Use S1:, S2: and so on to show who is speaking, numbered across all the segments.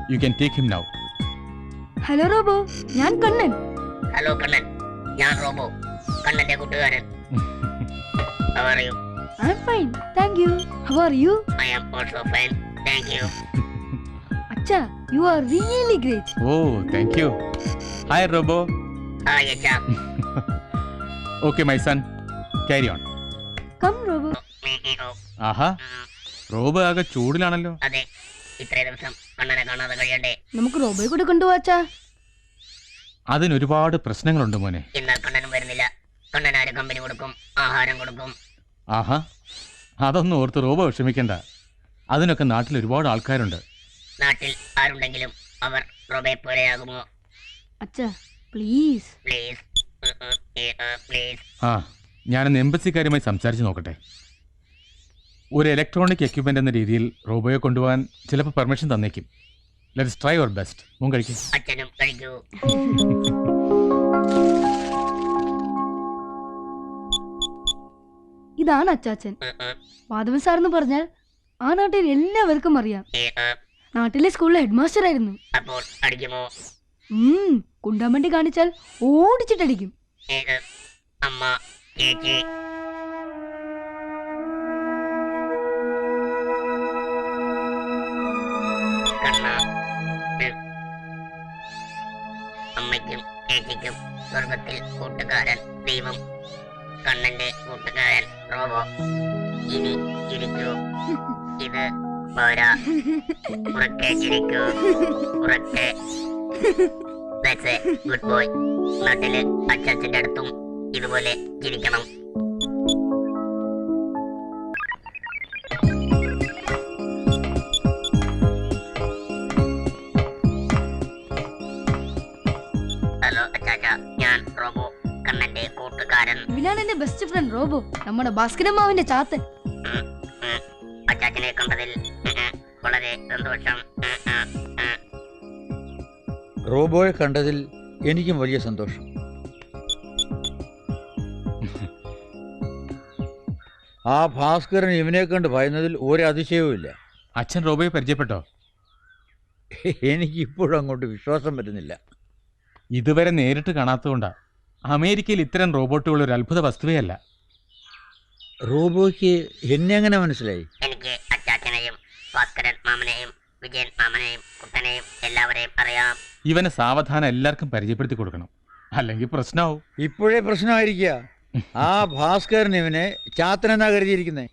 S1: You can take him now.
S2: Hello robo, ഞാൻ Kannan.
S3: Hello Kannan, ഞാൻ robo, കണ്ണന്റെ കൂട്ടുകാരൻ. How are you?
S2: I'm fine, thank you. How are you?
S3: I am also fine, thank you.
S2: അച്ഛാ, you are really great.
S1: Oh, thank you. Hi, Robo.
S3: Hi, Acha.
S1: Okay, my son. Carry on.
S2: Come, Robo.
S1: ആഹാ, robo ആകെ ചൂടിലാണല്ലോ.
S3: അതെ, ഇത്രയും ദിവസം കണ്ണനെ കാണാതെ കഴിയണ്ടേ.
S2: നമുക്ക് റോബോയെ കൂടെ കൊണ്ടുപോവാ അച്ഛാ.
S1: അതിനൊരുപാട് പ്രശ്നങ്ങളുണ്ട് മോനെ.
S3: എന്നാൽ കണ്ണനും വരുന്നില്ല. കണ്ണനാര് കമ്പനി കൊടുക്കും, ആഹാരം കൊടുക്കും.
S1: ആഹാ, അതൊന്നും ഓർത്ത് റോബോ വിഷമിക്കണ്ട. അതിനൊക്കെ നാട്ടിൽ ഒരുപാട് ആൾക്കാരുണ്ട്.
S3: നാട്ടിൽ ആരുണ്ടെങ്കിലും അവർ റോബയെ പോലെയാകുമോ?
S2: അച്ഛാ പ്ലീസ്.
S3: Please please.
S1: ആ, ഞാനൊന്ന് എംബസിക്കാരുമായി സംസാരിച്ച് നോക്കട്ടെ. ഒരു ഇലക്ട്രോണിക് എക്യുപ്മെന്റ് എന്ന രീതിയിൽ റോബോയെ കൊണ്ടുപോകാൻ ചിലപ്പോൾ പെർമിഷൻ തന്നേക്കും. Let's try your best. മോൻ കഴിക്കും.
S3: അച്ഛനും കഴിക്കൂ.
S2: ഇതാണ് അച്ചാച്ചൻ. മാധവൻ സാർ എന്ന് പറഞ്ഞാൽ ആ നാട്ടിൽ എല്ലാവർക്കും അറിയാം. നാട്ടിലെ സ്കൂളിലെ ഹെഡ് മാസ്റ്റർ ആയിരുന്നു.
S3: അപ്പോൾ അടിക്കുമോ?
S2: കുണ്ടാമണ്ടി കാണിച്ചാൽ ഓടിച്ചിട്ടടിക്കും.
S3: അമ്മ, ചേച്ചി. കണ്ണ, അമ്മയ്ക്കും ചേച്ചിക്കും സ്വർഗത്തിൽ കൂട്ടുകാരൻ ദൈവം, കണ്ണന്റെ കൂട്ടുകാരൻ റോബോ. ഇനി ചിരിക്കൂ. ഇത് പോരാ, ഉറക്കെ ചിരിക്കൂ, ഉറക്കെ. That's a good boy. നാട്ടില് അച്ചാച്ചന്റെ അടുത്തും ഇതുപോലെ ചിരിക്കണം. ഹലോ അച്ചാച്ച, ഞാൻ റോബോ, കണ്ണന്റെ കൂട്ടുകാരൻ.
S2: ഇവനാണ് എന്റെ ബെസ്റ്റ് ഫ്രണ്ട് റോബോ, നമ്മുടെ ഭാസ്കരമാവിന്റെ ചാത്തൻ.
S3: അച്ചാച്ചനെ കണ്ടതിൽ വളരെ സന്തോഷം.
S4: റോബോയെ കണ്ടതിൽ എനിക്കും വലിയ സന്തോഷം. ആ ഭാസ്കരൻ ഇവനെ കണ്ട് ഭയന്നതിൽ ഒരു അതിശയവുമില്ല.
S1: അച്ഛൻ റോബോയെ പരിചയപ്പെട്ടോ?
S4: എനിക്കിപ്പോഴും അങ്ങോട്ട് വിശ്വാസം വരുന്നില്ല.
S1: ഇതുവരെ നേരിട്ട് കാണാത്തതുകൊണ്ടാ. അമേരിക്കയിൽ ഇത്തരം റോബോട്ടുകൾ ഒരു അത്ഭുത വസ്തുവേ അല്ല.
S4: റോബോയ്ക്ക് എന്നെ എങ്ങനെ മനസ്സിലായി?
S3: എനിക്ക് അച്ചാച്ചനെയും ഭാസ്കരൻ മാമനെയും വിജയൻ മാമനെയും കുട്ടനെയും എല്ലാവരെയും അറിയാം.
S1: ഇവനെ സാവധാനം എല്ലാവർക്കും പരിചയപ്പെടുത്തി കൊടുക്കണം, അല്ലെങ്കിൽ പ്രശ്നമാവും.
S4: ഇപ്പോഴേ പ്രശ്നമായിരിക്കുക. ആ ഭാസ്കരൻ ഇവനെ ചാത്തനെന്നാ കരുതിയിരിക്കുന്നേ.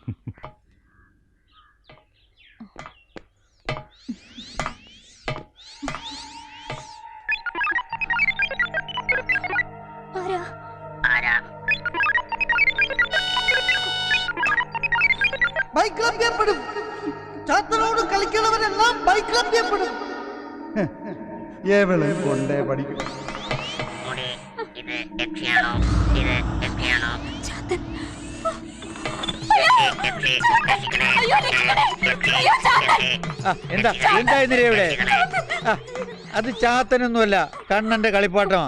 S5: ചാത്തനോട് കളിക്കുന്നവരെല്ലാം ബൈക്ലഭ്യപ്പെടും. കൊണ്ടേ പഠിക്കും.
S3: ഇത് യക്ഷിയാണോ? ഇത് യക്ഷിയാണോ?
S4: എന്താ എന്താ എന്തിനാ ഇവിടെ? അത് ചാത്തനൊന്നുമല്ല, കണ്ണന്റെ കളിപ്പാട്ടമാ.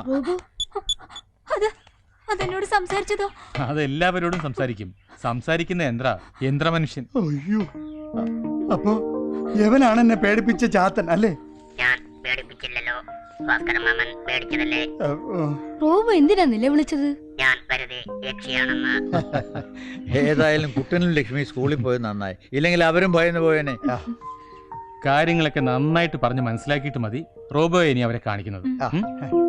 S2: അതെന്നോട് സംസാരിച്ചതോ?
S1: അതെല്ലാവരോടും സംസാരിക്കും. സംസാരിക്കുന്ന യന്ത്രമനുഷ്യൻ.
S5: അയ്യോ, അപ്പോ യവനാണ് എന്നെ പേടിപ്പിച്ച ചാത്തൻ അല്ലേ?
S3: ഞാൻ പേടിപ്പിച്ചില്ലല്ലോ, ഭാസ്കരൻ മാമൻ പേടിച്ചതല്ലേ.
S2: റോബോ എന്തിനാ നിലവിളിച്ചത്?
S3: ഞാൻ വെറുതെ യക്ഷിയാണെന്ന്.
S4: ഏതായാലും കുട്ടനും ലക്ഷ്മി സ്കൂളിൽ പോയത് നന്നായി, ഇല്ലെങ്കിൽ അവരും ഭയന്ന് പോയേനെ.
S1: കാര്യങ്ങളൊക്കെ നന്നായിട്ട് പറഞ്ഞ് മനസ്സിലാക്കിയിട്ട് മതി റോബോയെ ഇനി അവരെ കാണിക്കുന്നത്.